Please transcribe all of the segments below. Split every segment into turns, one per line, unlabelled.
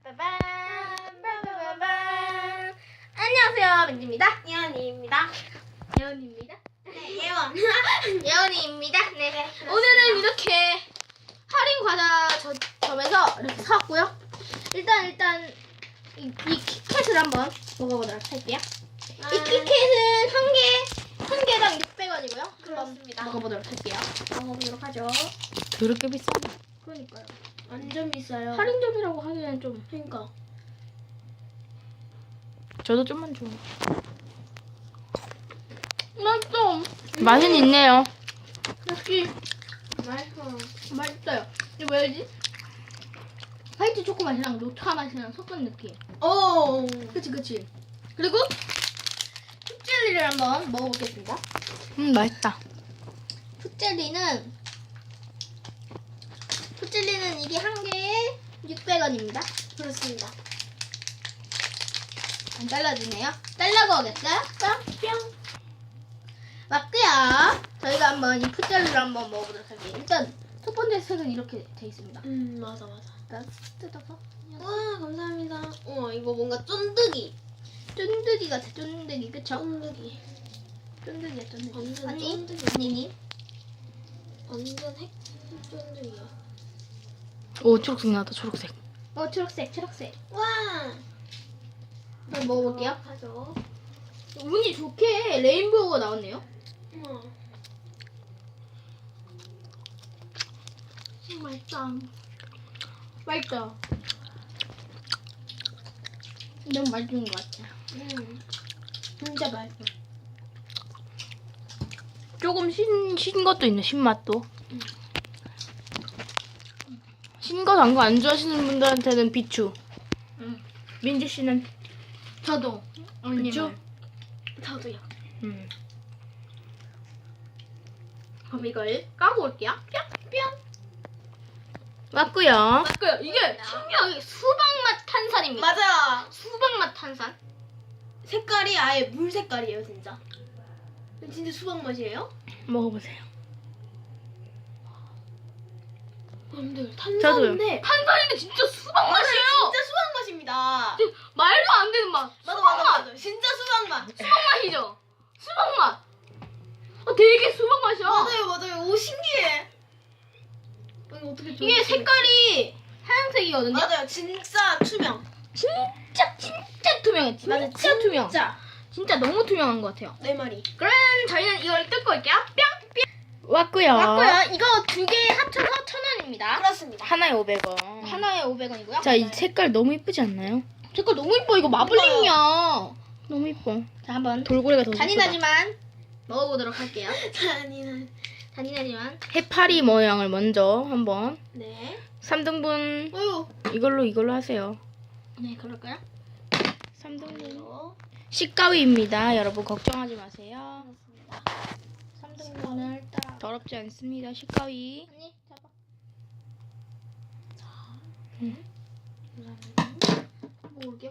빠밤 빠바바밤. 안녕하세요, 민지입니다.
예언이입니다.
예원입니다.
네, 예원.
예원이입니다. 네.
그렇습니다.
오늘은 이렇게 할인 과자 점에서 이렇게 사왔고요. 일단 이 키캣을 한번 먹어보도록 할게요. 이 키캣은 한 개당 600원이고요.
그렇습니다.
먹어보도록 할게요. 먹어보도록 하죠.
그렇게 비싸네.
그러니까요.
완전 비싸요.
할인점이라고 하기에는 좀.
그러니까.
저도 좀만 줘.
맛있어.
맛은 있네요.
역시
맛있어.
맛있어요. 이게 뭐였지? 화이트 초코 맛이랑 녹차 맛이랑 섞은 느낌.
오.
그치. 그리고 풋젤리를 한번 먹어보겠습니다.
맛있다.
풋젤리는 이게 한 개에 600원입니다.
그렇습니다.
안 잘라지네요. 잘라고 오겠어요? 뿅. 맞고요. 저희가 한번 이 풋젤리를 한번 먹어보도록 할게요. 일단 첫 번째 색은 이렇게 돼 있습니다.
맞아.
일단 뜯어서.
와, 감사합니다. 우와, 이거 뭔가 쫀득이.
쫀득이 같아, 쫀득이. 그쵸?
쫀득이.
쫀득이야, 쫀득이.
완전
아니,
쫀득이.
아니니?
완전 핵 쫀득이야.
오, 초록색 나왔다, 초록색.
초록색.
와.
한번 먹어볼게요.
하죠.
운이 좋게 레인보우가 나왔네요.
우와.
맛있다. 너무 맛있는 것 같아.
진짜 맛있어.
조금 신 것도 있네, 신맛도. 신 거, 단 거 안 좋아하시는 분들한테는 비추.
응.
민지 씨는?
저도.
그쵸?
저도요.
음.
그럼 이걸 까고 올게요. 뿅.
맞고요.
맞고요. 이게 신기하게 수박맛 탄산입니다.
맞아.
수박맛 탄산.
색깔이 아예 물 색깔이에요, 진짜. 진짜 수박 맛이에요?
먹어보세요.
여러분들
저도요.
탄산인데
탄산인데 진짜 수박 맛이에요.
진짜 수박 맛입니다.
말도 안 되는 맛.
맞아. 진짜 수박 맛.
수박 맛이죠. 수박 맛. 되게 수박 맛이야.
맞아요. 오, 신기해. 이거 어떻게
이게 색깔이 하얀색이거든요.
맞아요. 진짜 투명.
진짜 투명해.
맞아,
진짜 투명. 진짜 너무 투명한 것 같아요.
내 말이.
그럼 저희는 이걸 뜯고 올게요. 뿅.
맞고요.
맞고요. 이거 두 개 합쳐서 1,000원입니다.
그렇습니다.
하나에 500원.
하나에 500원이고요.
자, 이 색깔 너무 이쁘지 않나요?
색깔 너무 이뻐. 이거 마블링이야.
너무 이뻐.
자, 한번
돌고래가 더 이쁘다.
잔인하지만 먹어보도록 할게요.
잔인한.
해파리 모양을 먼저 한번.
네.
3등분
어휴.
이걸로 하세요.
네, 그럴까요?
3등분 식가위입니다. 여러분 걱정하지 마세요.
그렇습니다.
3등분을 딱.
더럽지 않습니다. 식가위.
언니, 잡아.
감사합니다.
먹어볼게요.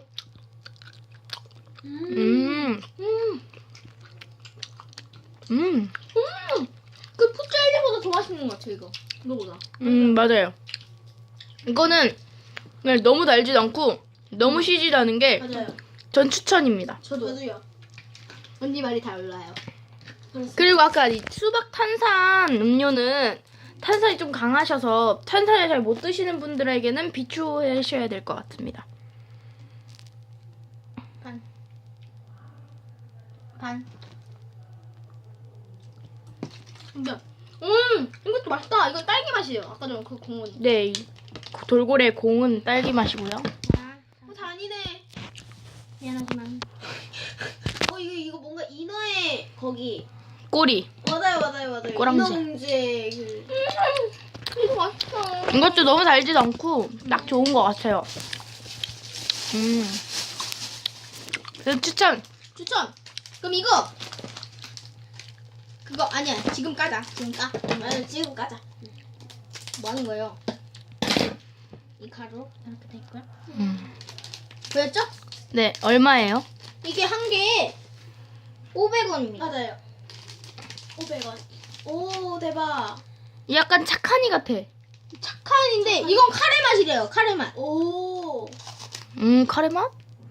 그 풋젤리보다 더 맛있는 것 같아, 이거. 이거보다.
맞아요. 이거는 그냥 너무 달지도 않고 너무 시지도 않은 게 전
맞아요.
추천입니다.
저도요.
언니 말이 달라요.
그리고 아까 이 수박 탄산 음료는 탄산이 좀 강하셔서 탄산을 잘 못 드시는 분들에게는 비추하셔야 될 것 같습니다.
반. 근데, 이것도 맛있다. 이건 딸기 맛이에요. 아까 전에 그 공원이.
네, 이 돌고래 공은 딸기 맛이고요.
잔인해.
미안하지만.
이거 뭔가 인어의 거기.
꼬리.
맞아요.
꼬랑지.
인어 문제
이거 맛있어.
이것도 너무 달지도 않고 딱 좋은 것 같아요. 그래서 추천.
그럼 이거. 그거 아니야. 지금 까자. 지금 까.
맞아, 지금 까자.
뭐 하는 거예요? 이 가루 이렇게 돼 있고요.
음.
보였죠?
네, 얼마예요?
이게 한 개에 500원입니다.
맞아요. 500원. 오, 대박.
약간 착하니 같아.
착한인데 이건 카레 맛이래요. 카레 맛.
오.
카레 맛?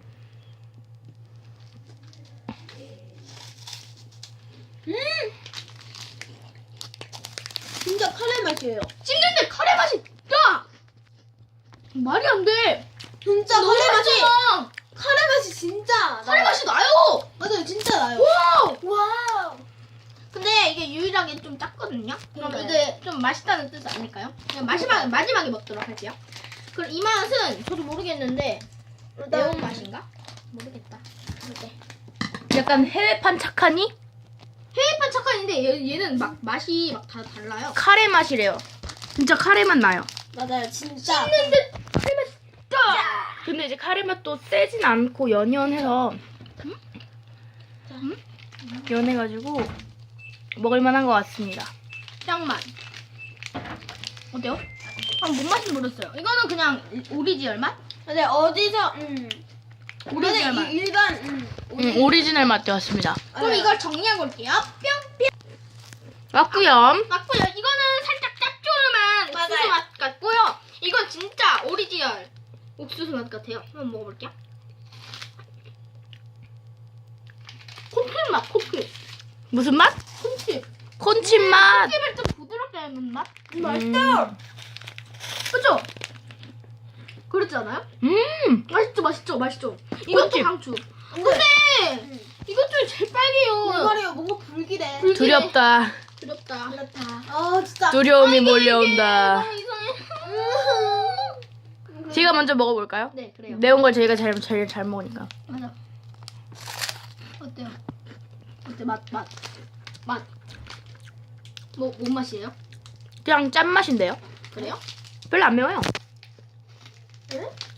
진짜 카레 맛이에요.
씹는데 카레 맛이 나. 말이 안 돼.
진짜
너무
카레 맛이
맛있잖아.
카레 맛이 진짜
카레
나요.
맛이 나요.
맞아요, 진짜 나요.
와.
와우.
근데 이게 유일하게 좀 작거든요. 그럼
네.
이게 좀 맛있다는 뜻 아닐까요? 그냥 마지막에 먹도록 할게요. 그럼 이 맛은 저도 모르겠는데 매운 맛인가? 모르겠다. 어때?
약간 해외판 착하니?
해외판 착한인데 얘는 막 맛이 막 다 달라요.
카레 맛이래요. 진짜 카레 맛 나요.
맞아요, 진짜.
씹는데 카레 맛이 나.
근데 이제 카레 맛도 세진 않고 연연해서 연해가지고 먹을만한 것 같습니다.
짱맛. 어때요? 못 맛이 모르겠어요. 이거는 그냥 오리지널 맛?
근데 어디서
오리지널 맛.
일반
오리지널 맛 되었습니다.
그럼 이걸 정리하고 올게요. 뿅뿅.
맞구요.
맞고요. 이거는 살짝 짭조름한 옥수수
맞아요.
맛 같고요. 이건 진짜 오리지널 옥수수 맛 같아요. 한번 먹어볼게요. 콘칩 맛, 콘칩.
무슨 맛?
콘칩.
콘칩 맛.
콘칩을 좀 부드럽게 하는 맛?
맛있어요.
그죠? 그렇지 않아요? 맛있죠, 맛있죠. 이것도
콘칩.
강추. 근데 이것 중에 제일 빨개요.
이거래요, 뭔가 불길해.
불길해.
두렵다.
두렵다.
그렇다. 아, 진짜.
두려움이 몰려온다.
너무 이상해.
제가 먼저 먹어볼까요?
네, 그래요.
매운 걸 제가 제일 잘 먹으니까.
맞아. 어때요? 어때? 맛. 뭔 맛이에요?
그냥 짠 맛인데요.
그래요?
별로 안 매워요.
응?